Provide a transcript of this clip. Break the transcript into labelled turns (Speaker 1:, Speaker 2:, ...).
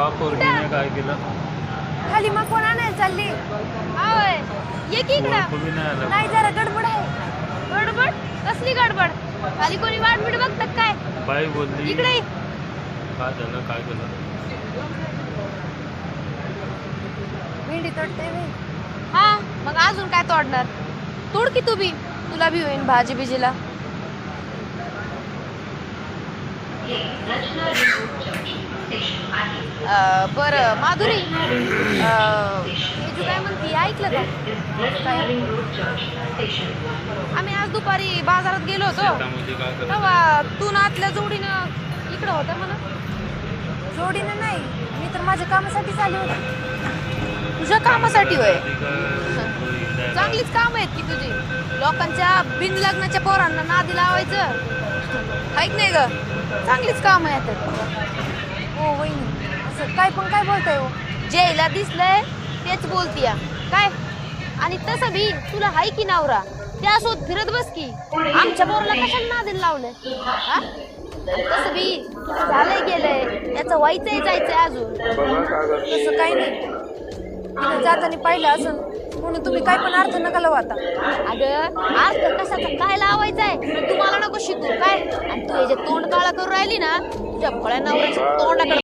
Speaker 1: पोरगीने काय केलं?
Speaker 2: खाली मग कोण आणायला चालली?
Speaker 3: आवय ये की इकडं.
Speaker 1: ओळखू बी नाही आलं.
Speaker 2: नाही जरा गडबड आहे.
Speaker 3: गडबड कसली गडबड? खाली कोणी वाट बीट बघतात काय?
Speaker 1: बाई बोलली.
Speaker 3: इकडे ये.
Speaker 1: काय झालं? काय केलं?
Speaker 2: भेंडी तोडते मी.
Speaker 3: हा मग अजून काय तोडणार? तोड की तू बी, तुला बी होईन भाजी बिजीला. बरं माधुरी, हे तू काय म्हणती ऐकलं का? काय? आम्ही आज दुपारी बाजारात गेलो होतो
Speaker 1: शेतामध्ये काय करत?
Speaker 3: तेव्हा तू ना आतल्या जोडीनं इकडं होतं म्हणा.
Speaker 2: जोडीनं नाही, मी तर माझ्या कामासाठी आली होती.
Speaker 3: तुझ्या कामासाठी होय?
Speaker 1: काय?
Speaker 3: चांगलीच काम आहेत की तुझी. लोकांच्या बिन लग्नाच्या पोरांना नादी लावायचं ऐक नाही ग, चांगलीच काम आहेत.
Speaker 2: हो वहिनी, असं काय पण काय बोलताय हो?
Speaker 3: जेला दिसलंय तेच बोलतीया काय. आणि तसं बी तुला हाय की नवरा, त्यासोबत फिरत बस की. आमच्या पोराला कशाला नादी लावलंय हा? तसं बी झालंय गेलंय, त्याचं व्हायचंय जायचंय अजून.
Speaker 2: तसं काही नाही, तिथं जाताना पाहिलं असं म्हणून तुम्ही काय पण अर्थ नका लावू आता.
Speaker 3: अगं अर्थ कशाचा काय लावायचाय तुम्हाला नको शिकू काय. आणि तू हे जे तोंड काळा करून राहिली ना, तुझ्या भोळ्या नवऱ्याच्या तोंडाकडे